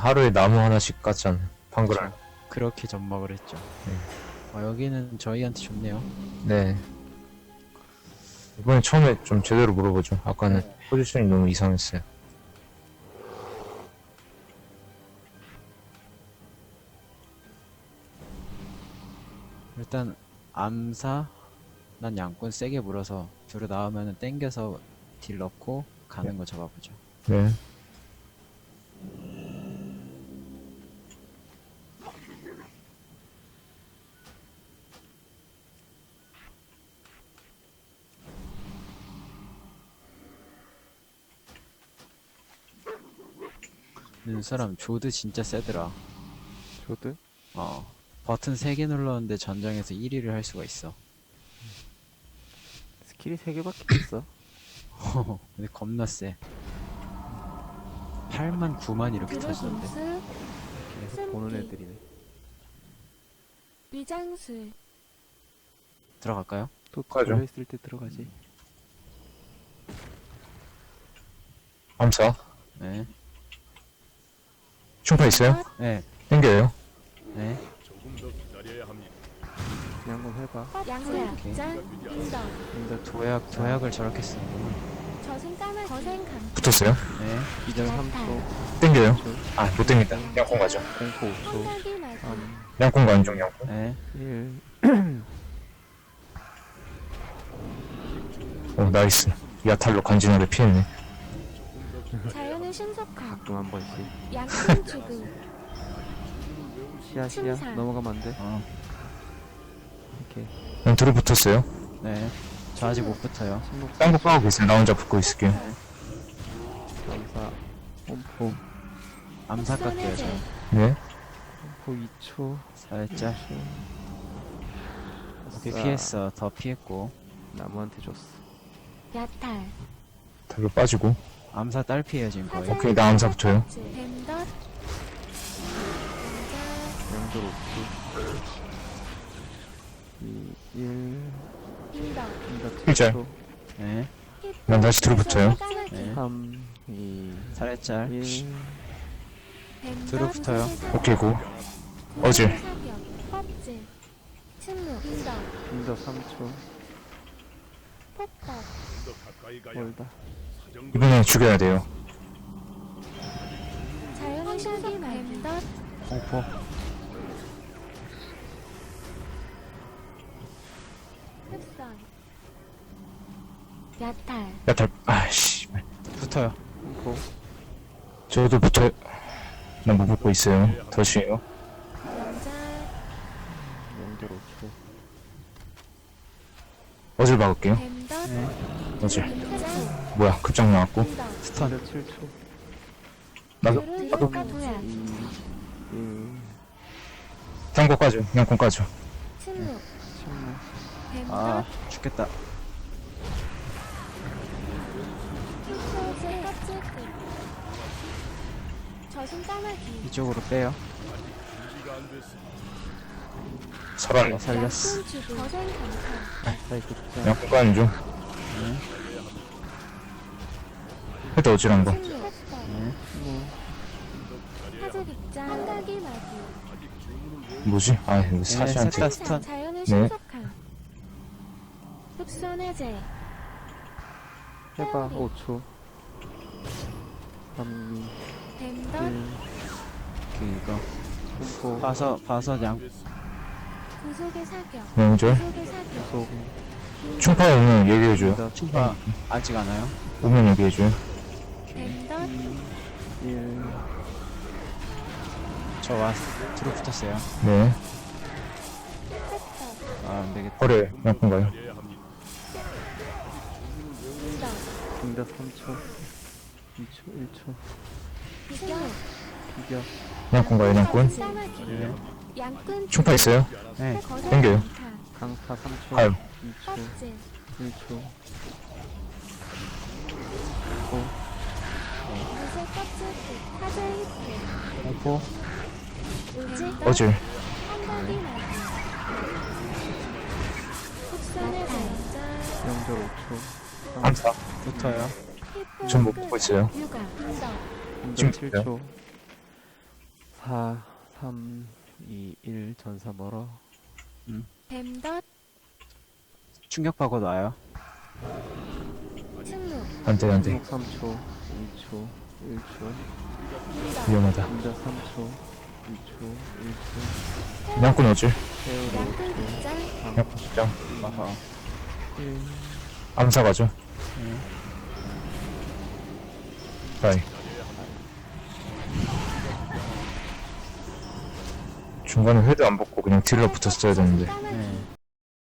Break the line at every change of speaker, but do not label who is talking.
하루에 나무 하나씩 깠잖아. 방글알.
그렇게 접목을 했죠. 여기는 저희한테 좋네요.
네. 이번에 처음에 좀 제대로 물어보죠. 아까는 포지션이 너무 이상했어요.
일단 암사 난 양꾼 세게 물어서 둘이 나오면은 땡겨서 딜 넣고 가는 거 잡아보죠.
네.
사람 조드 진짜 세더라.
조드?
버튼 3개 눌렀는데 전장에서 1위를 할 수가 있어.
스킬이 3개밖에 없어.
근데 겁나 세. 8만 9만 이렇게 터지던데.
계속 보는 애들이네.
위장술
들어갈까요?
또
가죠.
걸려있을 때 들어가지.
암사.
네.
충파 있어요?
네.
땡겨요.
네.
그냥 한번 해봐.
양수약장 인덕
근데
도약을 저렇게 쓰는구나.
저승 까마귀 거센 강
붙었어요?
네.
기절 3초,
땡겨요. 아, 못 땡긴다. 양콩 가죠.
공포 5초,
한가기 마귀
3,
양콩 가는 중, 양콩.
네.
1.
오, 나이스. 야탈로 간지나게 피했네.
자연의 신속함
가끔 한 번씩.
양꾼 주구
시야.
침상.
넘어가면 안 돼. 오케이.
그냥 둘이 붙었어요.
네. 저 아직 못 붙어요.
침묵
딴거 까고 계세요. 나 혼자 붙고 있을게요.
감사. 홈포.
암사 깎게요, 저.
네.
홈포 2초.
살짝. 오케이, 피했어. 더 피했고.
나무한테 줬어.
야탈
달로 빠지고.
암사 딸피에요, 지금 거의.
오케이, 나 암사 붙어요.
뱀덧
양절 5초. 2, 1.
인덕
일절.
네.
난 다시 둘이 붙어요.
네.
3, 2,
살짝.
1.
뒤로 붙어요.
오케이, 고. 어질.
껍질 침묵 인덕
인더 3초.
폭덕
멀다.
이번엔 죽여야 돼요.
자연의 신속함 뱀덧
공포.
흡선 야탈
야탈, 아이씨.
붙어요.
홈포.
저도 붙어요. 난 못 붙고 있어요. 덫이에요.
연자
양절 5초.
어질 박을게요.
뱀덧
네.
어질.
임자
뭐야, 급장 나왔고.
인덕
스턴.
인더 7초.
나도,
드루가 도약
2, 1.
딴거 까죠. 양콩 까죠.
침묵
침묵.
아,
뱀덧
죽겠다.
흑소재 껍질끝 저승 까마귀
이쪽으로 빼요.
살아네.
살렸어.
약손 주부 거센 강타
사이클 투자.
양콩 까는 중. 해도 어질한 거.
침묵 흑덕 사제 극장 한가기 마귀
뭐지? 아, 이거
네,
사시한테.
셋다 스턴.
자연의
네.
신속함 흑손 해제
해봐. 5초. 3, 2,
뱀덧
1.
이거.
홈포.
봐서 양.
구속의 사격
명절.
구속의 사격
속.
충파 오면 얘기해줘요.
인더
충파 아직 안 와요?
오면 얘기해줘요.
뱀덧
1.
저 뒤로 붙었어요.
네.
흑덕
아, 안 되겠다.
허래, 양콩 가요.
인덕
인더 3초. 2초. 1초.
비격
비겨.
양콩 가요, 양콩.
까마귀
네.
양꾼
충파 있어요?
네.
거센
땡겨요.
강타
강타 3초.
가요.
2초.
껍질
1초.
무쇠 껍질끝 사제 히트
공포.
을지
어질.
한가기 마귀 흑손의 전자
양절 5초.
암사.
붙어요.
전 못 보고 있어요.
육아 인덕
인더
지금
7초. 4, 3, 2, 1 전사 멀어.
뱀덧
충격받고 놔요.
승무
안돼 안돼
3초, 2초, 1초,
위험하다.
감자 3초, 2초, 1초,
그냥 끊어줄.
세월호
양꾼
5초,
입장
3,
그냥 끊자.
아하.
1.
암사 가죠. 바이. 중간에 회도 안 벗고 그냥 딜러 붙었어야 되는데.
까마귀